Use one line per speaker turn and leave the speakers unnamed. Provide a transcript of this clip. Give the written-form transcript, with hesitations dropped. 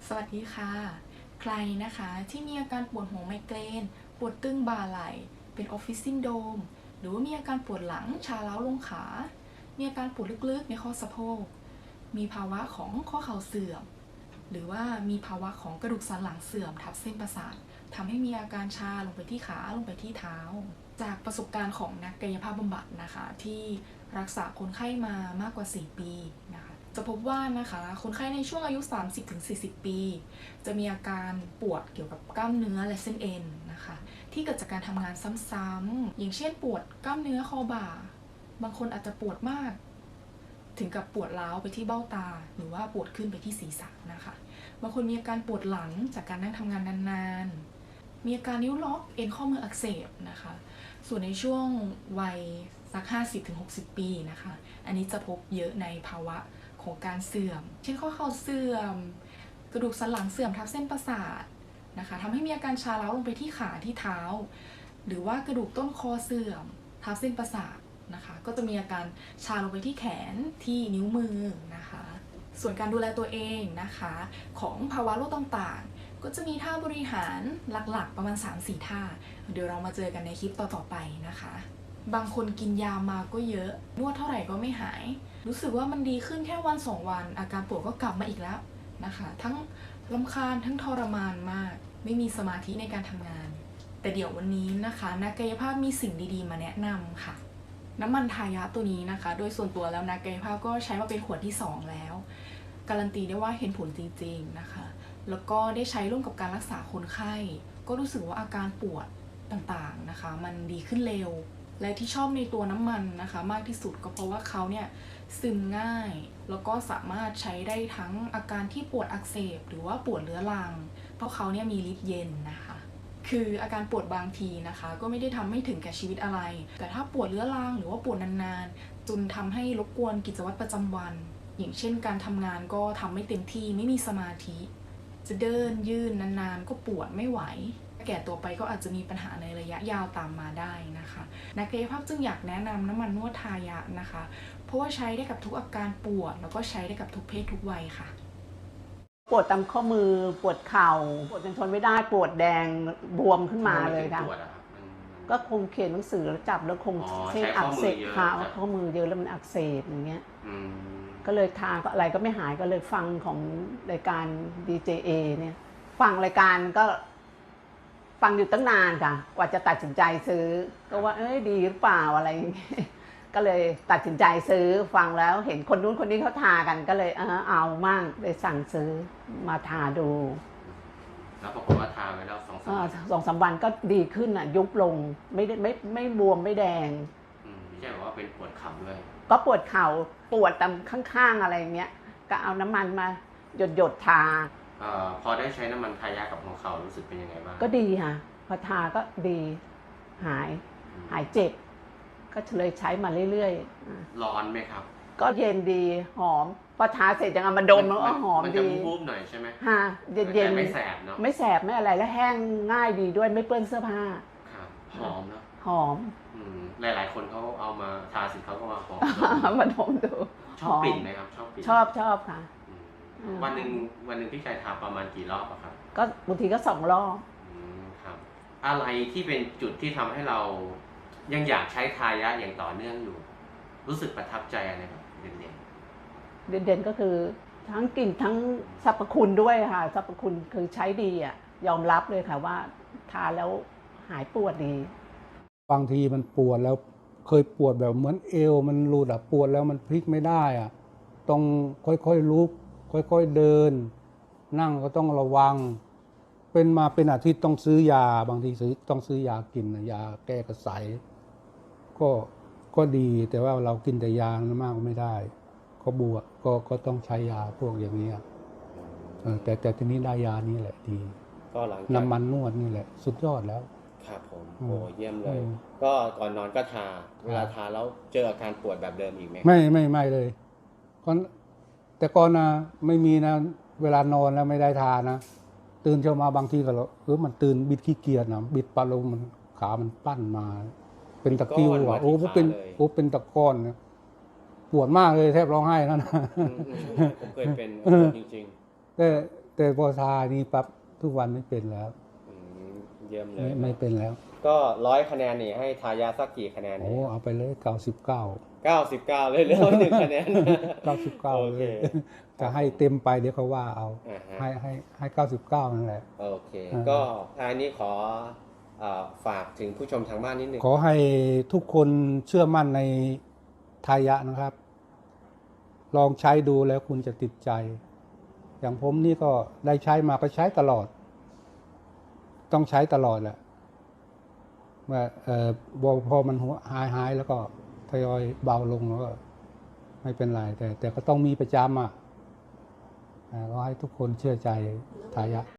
สวัสดีค่ะใครนะคะที่มีอาการปวดหัวไมเกรนปวดตึงบ่าไหล่เป็นออฟฟิศซินโดรมหรือว่ามีอาการปวดหลังชาเล้าลงขามีอาการปวดลึกๆในข้อสะโพกมีภาวะของข้อเข่าเสื่อมหรือว่ามีภาวะของกระดูกสันหลังเสื่อมทับเส้นประสาททำให้มีอาการชาลงไปที่ขาลงไปที่เท้าจากประสบการณ์ของนักกายภาพบำบัดนะคะที่รักษาคนไข้มามากกว่า4ปีนะคะจะพบว่านะคะคนไข้ในช่วงอายุ 30-40 ปีจะมีอาการปวดเกี่ยวกับกล้ามเนื้อและเส้นเอ็นนะคะที่เกิดจากการทำงานซ้ำๆอย่างเช่นปวดกล้ามเนื้อคอบ่าบางคนอาจจะปวดมากถึงกับปวดร้าวไปที่เบ้าตาหรือว่าปวดขึ้นไปที่ศีรษะนะคะบางคนมีอาการปวดหลังจากการนั่งทำงานนานๆมีอาการนิ้วล็อกเอ็นข้อมืออักเสบนะคะส่วนในช่วงวัยสัก 50-60 ปีนะคะอันนี้จะพบเยอะในภาวะของการเสื่อมเช่นข้อเข่าเสื่อมกระดูกสันหลังเสื่อมทับเส้นประสาทนะคะทำให้มีอาการชาเล้าลงไปที่ขาที่เท้าหรือว่ากระดูกต้นคอเสื่อมทับเส้นประสาทนะคะก็จะมีอาการชาลงไปที่แขนที่นิ้วมือนะคะส่วนการดูแลตัวเองนะคะของภาวะโรคต่างๆก็จะมีท่าบริหารหลักๆประมาณ 3-4 ท่าเดี๋ยวเรามาเจอกันในคลิปต่อๆไปนะคะบางคนกินยามาก็เยอะนวดเท่าไหร่ก็ไม่หายรู้สึกว่ามันดีขึ้นแค่วัน2 วันอาการปวดก็กลับมาอีกแล้วนะคะทั้งรำคาญทั้งทรมานมากไม่มีสมาธิในการทำงานแต่เดี๋ยววันนี้นะคะนักกายภาพมีสิ่งดีๆมาแนะนำค่ะน้ำมันทายะตัวนี้นะคะโดยส่วนตัวแล้วนักกายภาพก็ใช้มาเป็นขวดที่2แล้วการันตีได้ว่าเห็นผลจริงๆนะคะแล้วก็ได้ใช้ร่วมกับการรักษาคนไข้ก็รู้สึกว่าอาการปวดต่างๆนะคะมันดีขึ้นเร็วและที่ชอบในตัวน้ำมันนะคะมากที่สุดก็เพราะว่าเขาเนี่ยซึมง่ายแล้วก็สามารถใช้ได้ทั้งอาการที่ปวดอักเสบหรือว่าปวดเรื้อรังเพราะเขาเนี่ยมีฤทธิ์เย็นนะคะคืออาการปวดบางทีนะคะก็ไม่ได้ทำให้ถึงแก่ชีวิตอะไรแต่ถ้าปวดเรื้อรังหรือว่าปวดนานๆจนทำให้รบกวนกิจวัตรประจำวันอย่างเช่นการทำงานก็ทำไม่เต็มที่ไม่มีสมาธิจะเดินยืนนานๆก็ปวดไม่ไหวแก่ตัวไปก็อาจจะมีปัญหาในระยะยาวตามมาได้นะคะนักกายภาพจึงอยากแนะนำน้ำมันนวดทายะนะคะเพราะว่าใช้ได้กับทุกอาการปวดแล้วก็ใช้ได้กับทุกเพศทุกวัยค่ะ
ปวดตามข้อมือปวดเข่าปวดจนทนไม่ได้ปวดแดงบวมขึ้นมาเลยค่ะก็คงเขียนหนังสือแล้วจับแล้วคงเส้นอักเสบขาข้อมือเยอะแล้วมันอักเสบอย่างเงี้ยก็เลยทานก็อะไรก็ไม่หายก็เลยฟังของรายการ DJA เนี่ยฟังรายการก็ฟังอยู่ตั้งนานค่ะกว่าจะตัดสินใจซื้อก็ว่าดีหรือเปล่าอะไรอย่างเงี้ยก็เลยตัดสินใจซื้อฟังแล้วเห็นคนนู้นคนนี้เขาทากันก็เลยเอามั่งเลยสั่งซื้อมาทาดู
แล้วปรากฏว่าทาไปแล้ว
2-3 วันก็ดีขึ้นอ่ะยุบลงไม่บวมไม่แดง
ไม่ใช่ว่าเป็นปวดเข่าด้วย
ก็ปวดเข่าปวดตามข้างๆอะไรเงี้ยก็เอาน้ำมันมาหยดทา
พอได้ใช้น้ำมันทายากับของเขารู้สึกเป็นยังไงบ้าง
ก็ดีค่ะพอทาก็ดีหายเจ็บก็เลยใช้มาเรื่อย
ๆร้อนไหมครับ
ก็เย็นดีหอมพอทาเสร็จยังเอามาดมแล้วก็หอมดี
มันจะวูบหน่อยใช่ไหม
ฮะเย็น
ไม่แสบเนาะ
ไม่แสบไม่อะไรแล้วแห้งง่ายดีด้วยไม่เปื้อนเสื้อผ้า
ครับหอมเนาะ
หอม
หลายๆคนเขาเอามาทาสิเขาก็มาหอม
มาดมดู
ชอบกลิ่นไหมครับชอบกลิ่น
ชอบค่ะ
วันหนึ่งพี่ชายทาประมาณกี่รอบอะครับ
ก็บางทีก็2 รอบ
ครับอะไรที่เป็นจุดที่ทำให้เรายังอยากใช้ทายาอย่างต่อเนื่องอยู่รู้สึกประทับใจอะไรแบบเ
ด่นก็คือทั้งกลิ่นทั้งสรรพคุณด้วยค่ะสรรพคุณคือใช้ดีอ่ะยอมรับเลยค่ะว่าทาแล้วหายปวดดี
บางทีมันปวดแล้วเคยปวดแบบเหมือนเอวมันรูดปวดแล้วมันพลิกไม่ได้อ่ะต้องค่อยๆลุกค่อยๆเดินนั่งก็ต้องระวังเป็นอาทิตย์ต้องซื้อยาบางทีต้องซื้อยากินยาแก้กระสายก็ดีแต่ว่าเรากินแต่ยามากไม่ได้ก็บวกก็ต้องใช้ยาพวกอย่างนี้แต่ทีนี้ได้ยานี้แหละดี
ก็หลัง
น้ำมันนวดนี่แหละสุดยอดแล้ว
ครับผมโอ้เยี่ยมเลยก็ก่อนนอนก็ทาเวลาทาแล้วเจออาการปวดแบบเดิมอีกไหม
ไม่เลยแต่ก่อนนะไม่มีนะเวลานอนแล้วไม่ได้ทานะตื่นเช้ามาบางทีก็มันตื่นบิดขี้เกียจนะบิดปลาลงมันขามันปั้นมาเป็นตะกิ้วว่ะเป็นตะก้อนนะปวดมากเลยแทบร้องไห้นั่นนะ
ผมเคยเป็นจริง
ๆแต่พอทานี่ปั๊บทุกวันไม่เป็นแล้ว
อืมเยี่ยมเล
ไม่
ย
เป็นแล้ว
ก็100 คะแนนนี่ให้ทายาสักกี่คะแนน
โอ้
นี่
เอาไปเลย99
99 เลยเหลือ1 คะแนน
99
โอ
เล
เค
ยจะให้เต็มไปเดี๋ยวเขาว่าเอา
อ่าฮะ
ให้99นั่นแหละ
โอเค
อ่า
ก็ท้ายนี้ขอฝากถึงผู้ชมทางบ้านนิดนึง
ขอให้ทุกคนเชื่อมั่นในทายะนะครับ ลองใช้ดูแล้วคุณจะติดใจ อย่างผมนี่ก็ได้ใช้มาก็ใช้ตลอด ต้องใช้ตลอดแหละว่าพอมันหายแล้วก็ทยอยเบาลงแล้วก็ไม่เป็นไรแต่ก็ต้องมีประจำก็ให้ทุกคนเชื่อใจทายะ